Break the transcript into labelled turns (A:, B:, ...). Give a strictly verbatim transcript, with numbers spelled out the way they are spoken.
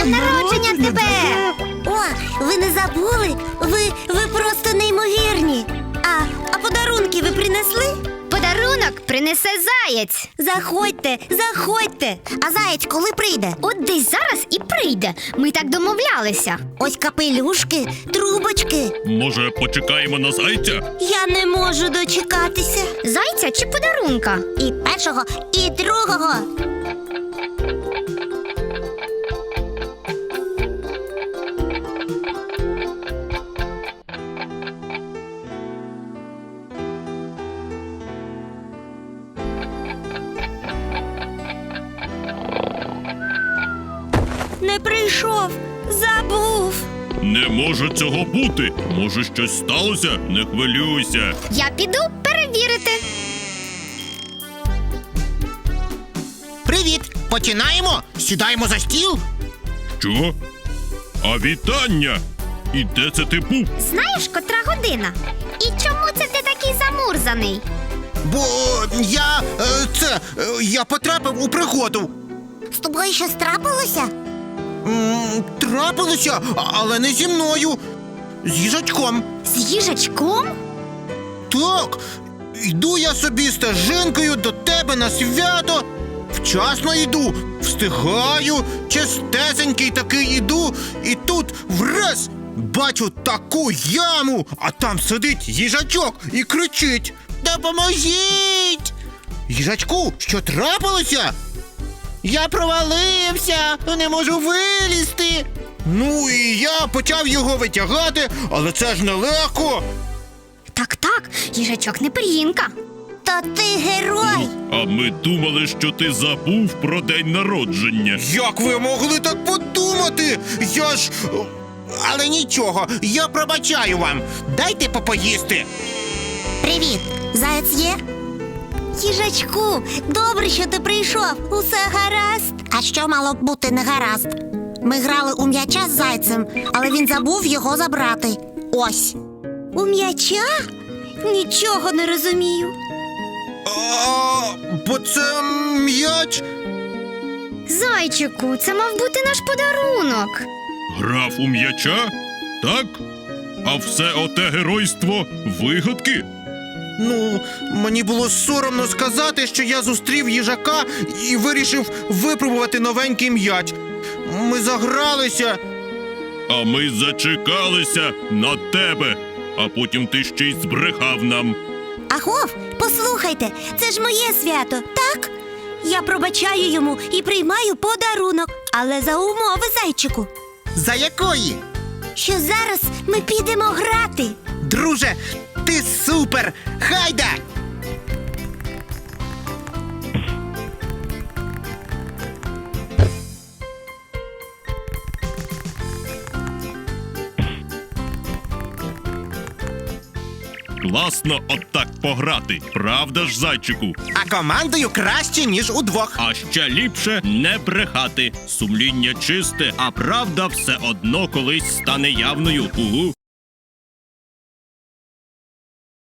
A: днем народження тебе!
B: О, ви не забули? Ви, ви просто неймовірні. А, а подарунки ви принесли?
A: Подарунок принесе заєць.
B: Заходьте, заходьте. А заєць коли прийде?
A: От десь зараз і прийде. Ми так домовлялися.
B: Ось капелюшки, трубочки.
C: Може, почекаємо на зайця?
B: Я не можу дочекатися.
A: Зайця чи подарунка?
B: І першого, і другого. Не прийшов, забув.
C: Не може цього бути. Може, щось сталося? Не хвилюйся.
A: Я піду перевірити.
D: Привіт! Починаємо? Сідаємо за стіл?
C: Що? А вітання! І де це ти був?
A: Знаєш, котра година? І чому це ти такий замурзаний?
D: Бо я. е, це. е, я потрапив у пригоду.
B: З тобою щось трапилося?
D: М, Трапилося, а- але не зі мною. З їжачком.
A: З їжачком?
D: Так. Йду я собі стежинкою до тебе на свято. Вчасно йду, встигаю, чистесенький такий іду, і тут враз бачу таку яму, а там сидить їжачок і кричить: «Допоможіть!» Їжачку, що трапилося? Я провалився, не можу вилізти. Ну і я почав його витягати, але це ж нелегко.
A: Так-так, їжачок не пир'їнка.
B: То ти герой.
C: А ми думали, що ти забув про день народження.
D: Як ви могли так подумати? Я ж. Але нічого, я пробачаю вам. Дайте попоїсти.
B: Привіт, заєць є? Їжачку, добре, що ти прийшов. Усе гаразд. А що мало б бути не гаразд? Ми грали у м'яча з зайцем, але він забув його забрати. Ось. У м'яча? Нічого не розумію.
D: А, бо це м'яч.
A: Зайчику, це мав бути наш подарунок.
C: Грав у м'яча? Так? А все оте геройство вигадки?
D: Ну, мені було соромно сказати, що я зустрів їжака і вирішив випробувати новенький м'яч. Ми загралися.
C: А ми зачекалися на тебе, а потім ти ще й збрехав нам.
B: Агов, послухайте, це ж моє свято, так? Я пробачаю йому і приймаю подарунок, але за умови, зайчику,
D: За якої?
B: що зараз ми підемо грати.
D: Друже, ти супер! Хайда!
C: Класно отак пограти, правда ж, зайчику?
D: А командою краще, ніж удвох.
C: А ще ліпше не брехати. Сумління чисте, а правда все одно колись стане явною. Угу.